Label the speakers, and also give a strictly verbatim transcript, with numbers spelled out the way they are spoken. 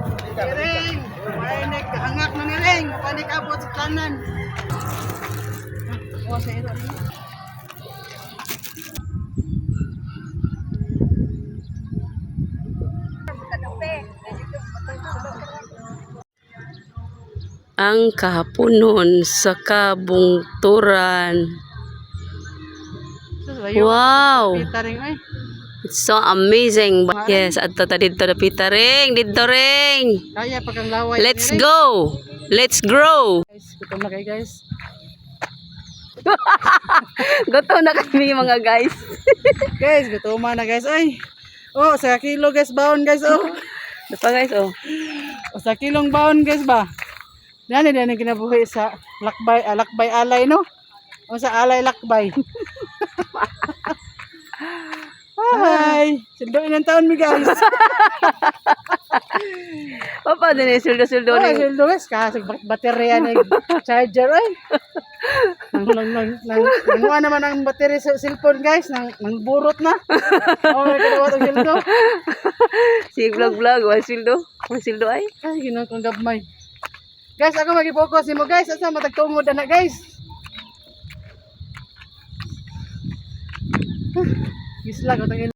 Speaker 1: Iring, may naghangak na niring, panik abot sa kanan. O sa ito rin.
Speaker 2: Ang kahaponon sa kabungturan. Wow! It's so amazing. Yes, adto ta didto na pita ring, didto ring.
Speaker 1: Kaya pag ang laway.
Speaker 2: Let's go. Let's grow.
Speaker 1: Guys, gutom na kayo guys.
Speaker 2: Gutom na kami mga guys.
Speaker 1: Guys, gutom na guys. Ay. Oh, sa kilo guys baon guys oh.
Speaker 2: Dito guys oh.
Speaker 1: O sa kilong baon guys ba? Yan yan ang kinabuhi sa lakbay, ah, lakbay alay no? O sa alay lakbay. Hi! Sildoin ng taon mi guys.
Speaker 2: Papa din eh, suldo-suldo
Speaker 1: Oh,
Speaker 2: ni.
Speaker 1: sildo guys, kasi baterya na charger ay. Nang nang nang nang nang naman ang baterya sa cellphone guys, nang nang burot na. Oh, may kadawa tong sildo.
Speaker 2: Si vlog-vlog, wal sildo. Wal sildo ay.
Speaker 1: Ay, ginawa kong gabmay. Guys, ako mag-focus mo guys. Asa matagtungod na guys. Gisla ko tangin.